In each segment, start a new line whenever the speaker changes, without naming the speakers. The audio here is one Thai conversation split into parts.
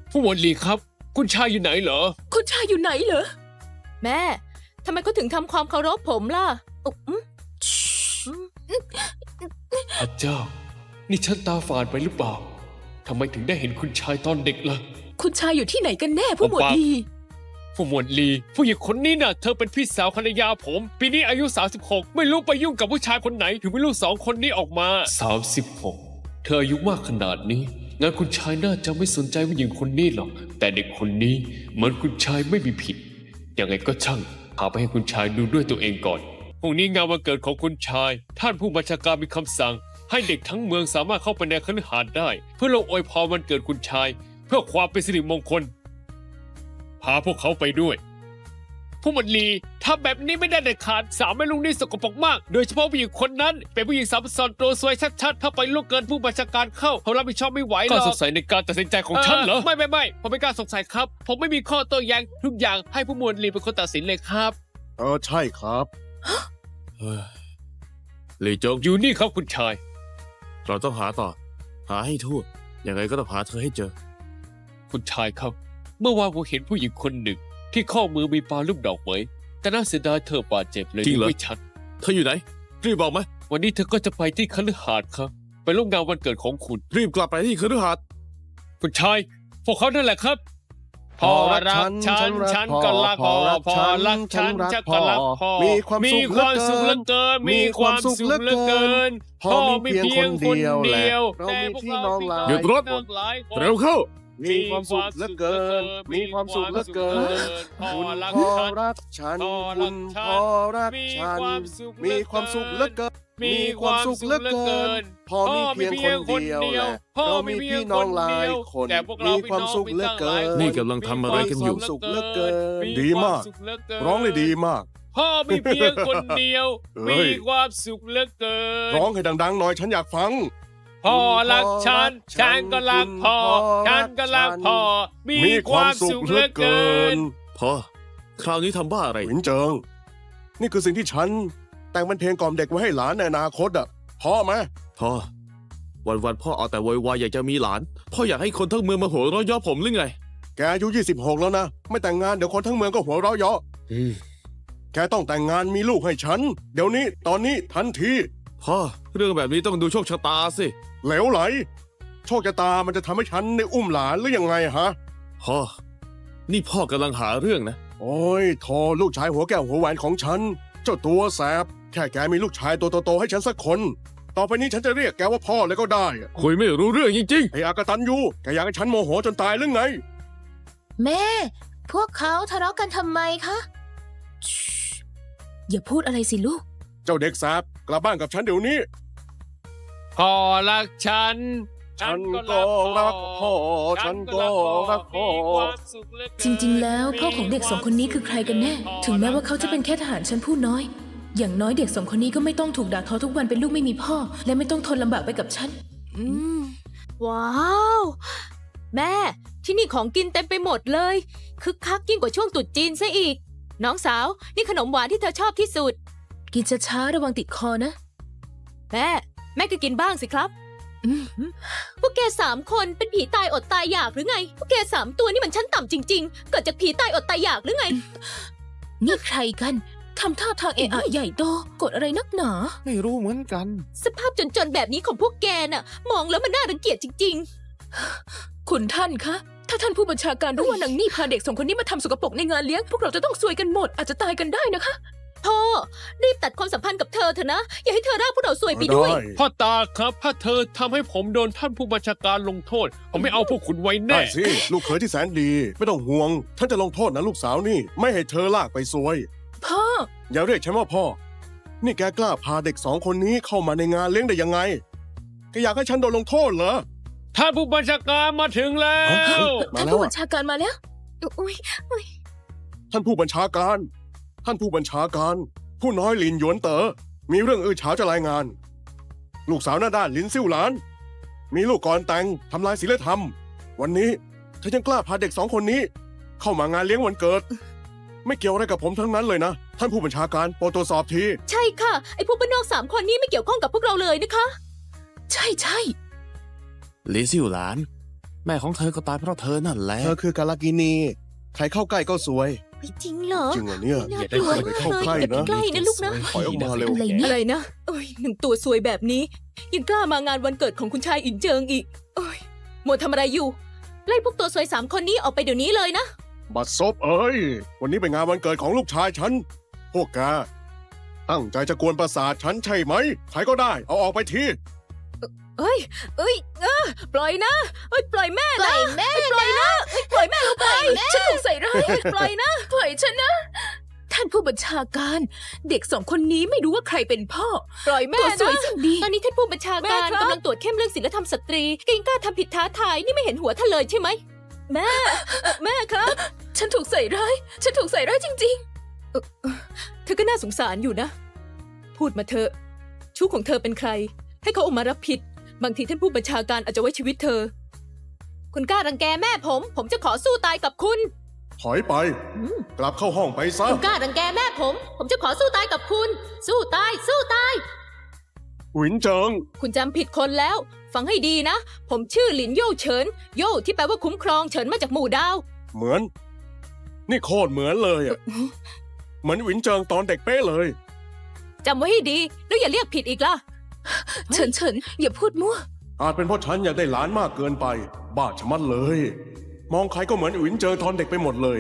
ผู้หมวดหลีครับ คุณชายอยู่ไหนเหรอ
คุณชายอยู่ไหนเหรอแม่ทำไมเขาถึงทำความเคารพผมล่ะ
พระเจ้า นี่ฉันตาฝาดไปหรือเปล่าทำไมถึงได้เห็นคุณชายตอนเด็กล่ะ
คุณชายอยู่ที่ไหนกันแน่ผู้หมวดลี
ผู้หมวดลีผู้หญิงคนนี้น่ะเธอเป็นพี่สาวภรรยาผมปีนี้อายุ36ไม่รู้ไปยุ่งกับผู้ชายคนไหนถึงไม่รู้2 คนนี้ออกมา36เธออายุมากขนาดนี้งั้นคุณชายน่าจะไม่สนใจผู้หญิงคนนี้หรอกแต่เด็กคนนี้เหมือนคุณชายไม่มีผิดยังไงก็ช่างพาไปให้คุณชายดูด้วยตัวเองก่อนพรุ่งนี้งานวันเกิดของคุณชายท่านผู้บัญชาการมีคำสั่งให้เด็กทั้งเมืองสามารถเข้าไปในคฤหาสน์ได้เพื่อลงอวยพรวันเกิดคุณชายเพื่อความเป็นสิริมงคลพาพวกเขาไปด้วยผู้หมวดลีทำแบบนี้ไม่ได้เด็ดขาดสาวแม่ลุงนี่สกปรกมากโดยเฉพาะผู้หญิงคนนั้นเป็นผู้หญิงสาวซ้อนตัวซวยชัดๆถ้าไปล่วงเกินผู้บัญชาการเข้าเขารับผิดชอบไม่ไหวหรอกก็สงสัยในการตัดสินใจของฉันเหรอไม่ผมไม่กล้าสงสัยครับผมไม่มีข้อโต้แย้งทุกอย่างให้ผู้หมวดลีเป็นคนตัดสินเลยครับ
ใช่ครับ
หลี่จง
อยู่นี่ครับคุณชาย
เราต้องหาต่อ หาให้ทั่วยังไงก็ต้องหาเธอให้เจอ
คุณชายครับเมื่อวานผมเห็นผู้หญิงคนหนึ่งที่ข้อมือมีปลาลูกดอกไว้แต่น่าเสียดายเธอบาดเจ็บเลย
จริงเหรอ
ไม่ชัด
เธออยู่ไหน รีบบอกมา
วันนี้เธอก็จะไปที่คฤหาสน์ครับไปร่วมงานวันเกิดของคุณ
รีบกลับไปที่คฤหาสน์
คุณชายพวกเขานั่นแหละครับพอรักฉันก็รักพอรักฉันก็รักพอ
มีความสุข
เหลือเกินมีความสุขเหลือเกิน
พ่อมีเพียงคนเดียวแหละเรามีพี่น้องหลาย
หยุดรถ เร็วเข้า
มีความสุขเหลือเกิน มีความสุขเหลือเกิน คุณพ่อรักฉันคุณพ่อรักฉัน มีความสุขเหลือเกิน มีความสุขเหลือเกินพ่อมีเพียงคนเดียวแหละเรามีพี่น้องหลายคนมีความสุขเหลือเกิน
นี่กำลังทำอะไรกันอยู่
มีความสุขเหลือเกินดีมาก ร้องได้ดีมาก
พ่อมีเพียงคนเดียว
เฮ้
มี
ย
ความสุขเหลือเกิน
ร้องให้ดังๆหน่อยฉันอยากฟัง
พ่อรักฉันฉันก็รักพ่อฉันก็รักพ่อมีความสุขเหลือเกิน
พอ คราวนี้ทำบ้าอะไร
หวินเจิง นี่คือสิ่งที่ฉัน แต่งเป็นเพลงกล่อมเด็กไว้ให้หลานในอนาคตอ่ะพอไหม
พ่อ วันๆพ่อเอาแต่โวยวายอยากจะมีหลาน พ่ออยากให้คนทั้งเมืองมาหัวเราะเย่อผมหรือไง
แกอายุ26แล้วนะ ไม่แต่งงานเดี๋ยวคนทั้งเมืองก็หัวเราะเยาะแกต้องแต่งงานมีลูกให้ฉัน เดี๋ยวนี้ตอนนี้ทันที
พ่อ เรื่องแบบนี้ต้องดูโชคชะตาสิ
เหลวไหล โชคชะตามันจะทำให้ฉันได้อุ้มหลานหรือยังไงฮะ
พ่อ นี่พ่อกำลังหาเรื่องนะ
โอ้ยโทลูกชายหัวแก้วหัวแหวนของฉัน เจ้าตัวแสบ แค่แกมีลูกชายตัวโตๆให้ฉันสักคน ต่อไปนี้ฉันจะเรียกแกว่าพ่อเลยก็ได้อะ
คุยไม่รู้เรื่องจริง
ไอ้อากตันยูแกอยากให้ฉันโมโหจนตายหรือไง
แม่ พวกเขาทะเลาะกันทำไมคะอย่าพูดอะไรสิลูก
เจ้าเด็กแสบกลับบ้านกับฉันเดี๋ยวนี้
พ่อรักฉัน
ฉันก็รักพ่อฉันก็รักพ่อ
จริงๆ แล้วพ่อของเด็ก2 คนนี้คือใครกันแน่ ถึงแม้ว่าเขาจะเป็นแค่ทหารชั้นผู้น้อย อย่างน้อยเด็ก2 คนนี้ก็ไม่ต้องถูกด่าทอทุกวันเป็นลูกไม่มีพ่อ และไม่ต้องทนลำบากไปกับฉันว้าว แม่ ที่นี่ของกินเต็มไปหมดเลย คึกคักยิ่งกว่าช่วงตรุษจีนซะอีก น้องสาว นี่ขนมหวานที่เธอชอบที่สุด กินช้าๆระวังติดคอนะ แม่ก็กินบ้างสิครับ พวกแก3 คนเป็นผีตายอดตายอยากหรือไง พวกแก3 ตัวนี่มันชั้นต่ำจริงๆ เกิดจากผีตายอดตายอยากหรือไง นี่ใครกันทำท่าทางเอะอะใหญ่โตกดอะไรนักหนา
ๆ ไม่รู้เหมือนกัน
สภาพจนๆแบบนี้ของพวกแกน่ะ มองแล้วมันน่ารังเกียจจริงๆ คุณท่านคะ ถ้าท่านผู้บัญชาการรู้ว่านางนี่พาเด็ก2 คนนี้มาทำสกปรกในงานเลี้ยง พวกเราจะต้องซวยกันหมดอาจจะตายกันได้นะคะพ่อรีบตัดความสัมพันธ์กับเธอเถอะนะ อย่าให้เธอร่าพวกเราซวยไปด้วย
พ่อตาครับถ้าเธอทำให้ผมโดนท่านผู้บัญชาการลงโทษ ผมไม่เอาพวกคุณไว้
ได้
แน่
สิ ลูกเขยที่แสนดี ไม่ต้องห่วง ท่านจะลงโทษนะลูกสาวนี่ ไม่ให้เธอลากไปซวย
พ่อ
อย่าเรียกฉันว่าพ่อ นี่แกกล้าพาเด็ก2 คนนี้เข้ามาในงานเลี้ยงได้ยังไงแกอยากให้ฉันโดนลงโทษเหรอ
ท่านผู้บัญชาการมาถึงแล้ว
มา
ท่าน
แล้ว
ผู้บั
อะ
ญชาการมาแล้วอุ้ย
ท่านผู้บัญชาการ ท่านผู้บัญชาการ ผู้น้อยหลินหยวนเต๋อ มีเรื่องอื้อฉาวจะรายงาน ลูกสาวหน้าด้านหลินซิ่วหลาน มีลูกก่อนแต่งทำลายศีลธรรม วันนี้เธอยังกล้าพาเด็ก2 คนนี้ เข้ามางานเลี้ยงวันเกิด ไม่เกี่ยวอะไรกับผมทั้งนั้นเลยนะ ท่านผู้บัญชาการโปรดตรวจสอบที
ใช่ค่ะ ไอ้พวกบ้านนอก3 คนนี้ไม่เกี่ยวข้องกับพวกเราเลยนะคะ ใช่
หลี่ซิ่วหลานแม่ของเธอก็ตายเพราะเธอนั่นแหละ
เธอคือกาลากินี ใครเข้าใกล้ก็สวย
ไม่จริงเหรอ
จริงเหรอเนี่ย
น่ากลัว
อย่าได้เข้าใกล้นะ
ใกล้นะลูกนะ
ถอยออกมาเร็ว
อะไรเนี่ย
อะไรนะโอ้ยหนึ่งตัวซวยแบบนี้ ยังกล้ามางานวันเกิดของคุณชายอินเจิงอีกโอ้ยมัวทำอะไรอยู่
ไล่พวกตัวซวย3 คนนี้ออกไปเดี๋ยวนี้เลยนะ
บัดซบเอ้ย วันนี้เป็นงานวันเกิดของลูกชายฉัน พวกแกตั้งใจจะกวนประสาทฉันใช่ไหม ใครก็ได้ เอาออกไปที
เอ้ยปล่อยนะเอ้ยปล่อยแม่
ปล่
นะ
อยแม่
ปล่อยนะเอ้ยปล่อยแม่ลงไป
ฉันถูกใส่ร้าย
ปล่อยนะ
ปล่อยฉันนะ ท่านผู้บัญชาการ เด็ก2 คนนี้ไม่รู้ว่าใครเป็นพ่อ
ปล่อยแม่
ตัวสวย
นะ
สิ่งดี
ตอนนี้ท่านผู้บัญชา
แม่
การ
ครับ
กำลังตรวจเข้มเรื่องศีลธรรมสตรีแกยังกล้าทำผิดท้าทายนี่ไม่เห็นหัวท่านเลยใช่ไหม
แม่ครับ
ฉันถูกใส่ร้าย ฉันถูกใส่ร้ายจริง
เธอก็น่าสงสารอยู่นะ พูดมาเถอะชู้ของเธอเป็นใคร ให้เขาออกมารับผิด บางทีท่านผู้บัญชาการอาจจะไว้ชีวิตเธอ
คุณกล้ารังแกแม่ผมจะขอสู้ตายกับคุณ
ถอยไป กลับเข้าห้องไปซะ
คุณกล้ารังแกแม่ผมจะขอสู้ตายกับคุณ สู้ตายสู้ตาย
หวินเจิง
คุณจำผิดคนแล้ว ฟังให้ดีนะ ผมชื่อหลินโย่เฉิน โย่ที่แปลว่าคุ้มครองเฉินมาจากหมู่ดาว
เหมือน นี่โคตรเหมือนเลยอะเหมือนหวินเจิงตอนเด็กเป๊ะเลย
จำไว้ให้ดี แล้วอย่าเรียกผิดอีกล่ะ
ๆ เฉินอย่าพูดมั่ว
อาจเป็นเพราะฉันอยากได้หลานมากเกินไป บ้าชะมัดเลย มองใครก็เหมือนหวินเจิงตอนเด็กไปหมดเลย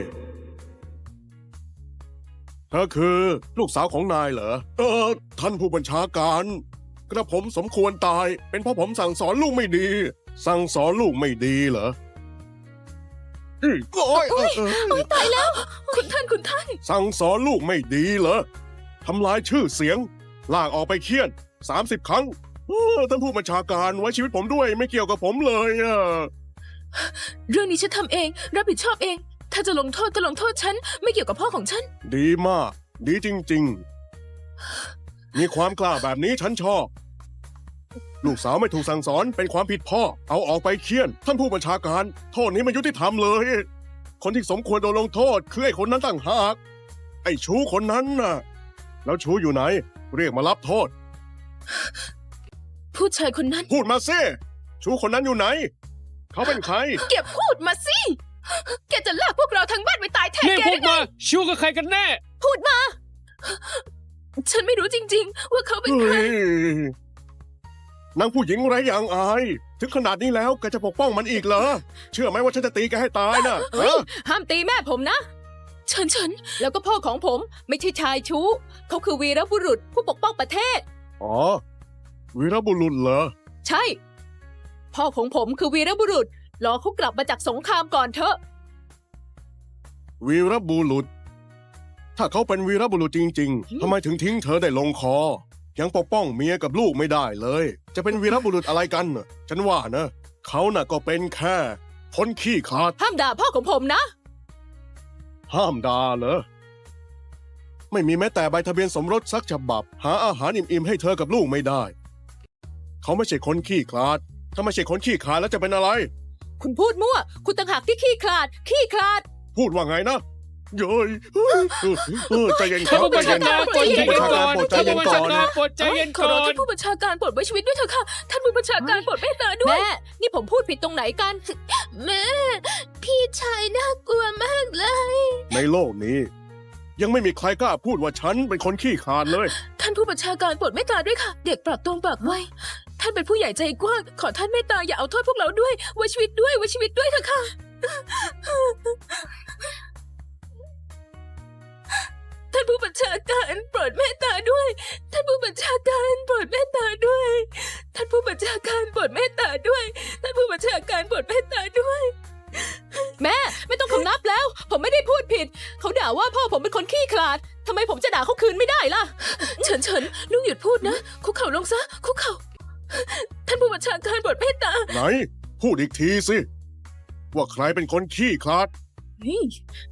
เธอคือลูกสาวของนายเหรอ ท่านผู้บัญชาการ กระผมสมควรตาย เป็นเพราะผมสั่งสอนลูกไม่ดี สั่งสอนลูกไม่ดีเหรอโอ้ย
ตายแล้ว คุณท่าน
สั่งสอนลูกไม่ดีเหรอ ทำลายชื่อเสียง ลากออกไปเคี่ยน 30 ครั้งท่านผู้บัญชาการไว้ชีวิตผมด้วยไม่เกี่ยวกับผมเลยอะ
เรื่องนี้ฉันทำเอง รับผิดชอบเอง ถ้าจะลงโทษก็ลงโทษฉัน ไม่เกี่ยวกับพ่อของฉัน
ดีมาก ดีจริง ๆ มีความกล้าแบบนี้ฉันชอบ ลูกสาวไม่ถูกสั่งสอนเป็นความผิดพ่อ เอาออกไปเคี่ยน ท่านผู้บัญชาการ โทษนี้ไม่ยุติธรรมเลย คนที่สมควรโดนลงโทษคือไอ้คนนั้นต่างหาก ไอ้ชู้คนนั้นน่ะ แล้วชู้อยู่ไหน เรียกมารับโทษ
ผู้ชายคนนั้น
พูดมาสิชู้คนนั้นอยู่ไหน เขาเป็นใคร
แกพูดมาสิ แกจะลากพวกเราทั้งบ้านไปตายแทน
เรียก
แก
พว
ได้
ก
ไง
มาชู้กับใครกันแน่
ฉันไม่รู้จริง ๆ ว่าเขาเป็นใคร
เฮ้ยนางผู้หญิงไร้อย่างอาย ถึงขนาดนี้แล้วแกจะปกป้องมันอีกเหรอ เชื่อไหมว่าฉันจะตีแกให้ตายนะ
เฮ้ย ห้ามตีแม่ผมนะ
เฉิน
แล้วก็พ่อของผมไม่ใช่ชายชู้ เขาคือวีรบุรุษผู้ปกป้องประเทศ
อ๋อ วีรบุรุษเหรอ
ใช่ พ่อของผมคือวีรบุรุษ รอเขากลับมาจากสงครามก่อนเถอะ
วีรบุรุษ ถ้าเขาเป็นวีรบุรุษจริง ๆ ทำไมถึงทิ้งเธอได้ลงคอ ยังปกป้องเมียกับลูกไม่ได้เลย จะเป็นวีรบุรุษอะไรกันน่ะฉันว่านะ เขาน่ะก็เป็นแค่คนขี้ขลาด
ห้ามด่าพ่อของผมนะ
ห้ามด่าเหรอ ไม่มีแม้แต่ใบทะเบียนสมรสสักฉบับ หาอาหารอิ่มๆให้เธอกับลูกไม่ได้ เขาไม่ใช่คนขี้ขลาด ถ้าไม่ใช่คนขี้ขลาดแล้วจะเป็นอะไร
คุณพูดมั่ว คุณต่างหากที่ขี้ขลาด ขี้ขลาด
พูดว่าไงนะเย้ยใจเย็นค
ท่า
รั
น
บ
ผู้
ใจ
บัญ
เย็
ชาน การ
ท่าน
โปรดใจ
ผู้
เย็
บั
น
ญชา
ก่
กา
อ
ร
น
โปรดใจ
ท่าน
เย็น
ผู้บัญ
ก่อ
ชาน การโปรดใจเย็นก่อน
ขอร้องท่านผู้บัญชาการโปรดไว้ชีวิตด้วยเถอะค่ะ ท่านผู้บัญชาการโปรดเมตตาด้วย
แม่ นี่ผมพูดผิดตรงไหนกัน
แม่ พี่ชายน่ากลัวมากเลย
ในโลกนี้ ยังไม่มีใครกล้าพูดว่าฉันเป็นคนขี้ขลาดเลย
ท่านผู้บัญชาการโปรดเมตตาด้วยค่ะ เด็กปรับตรงปากไว ท่านเป็นผู้ใหญ่ใจกว้าง ขอท่านเมตตาอย่าเอาโทษพวกเราด้วย ไว้ชีวิตด้วย ไว้ชีวิตด้วยเถอะค่ะ ท่านผู้บัญชาการโปรดเมตตาด้วย ท่านผู้บัญชาการโปรดเมตตาด้วย ท่านผู้บัญชาการโปรดเมตตาด้วย ท่านผู้บัญชาการโปรดเมตตาด้วย
แม่ไม่ต้องคำนับแล้ว ผมไม่ได้พูดผิด เขาด่าว่าพ่อผมเป็นคนขี้ขลาดทำไมผมจะด่าเขาคืนไม่ได้ล่ะ
เฉินลูกหยุดพูดนะ คุกเข่าลงซะ คุกเข่า ท่านผู้บัญชาการโปรดเมตตา
ไหน พูดอีกทีสิ ว่าใครเป็นคนขี้ขลาด
นี่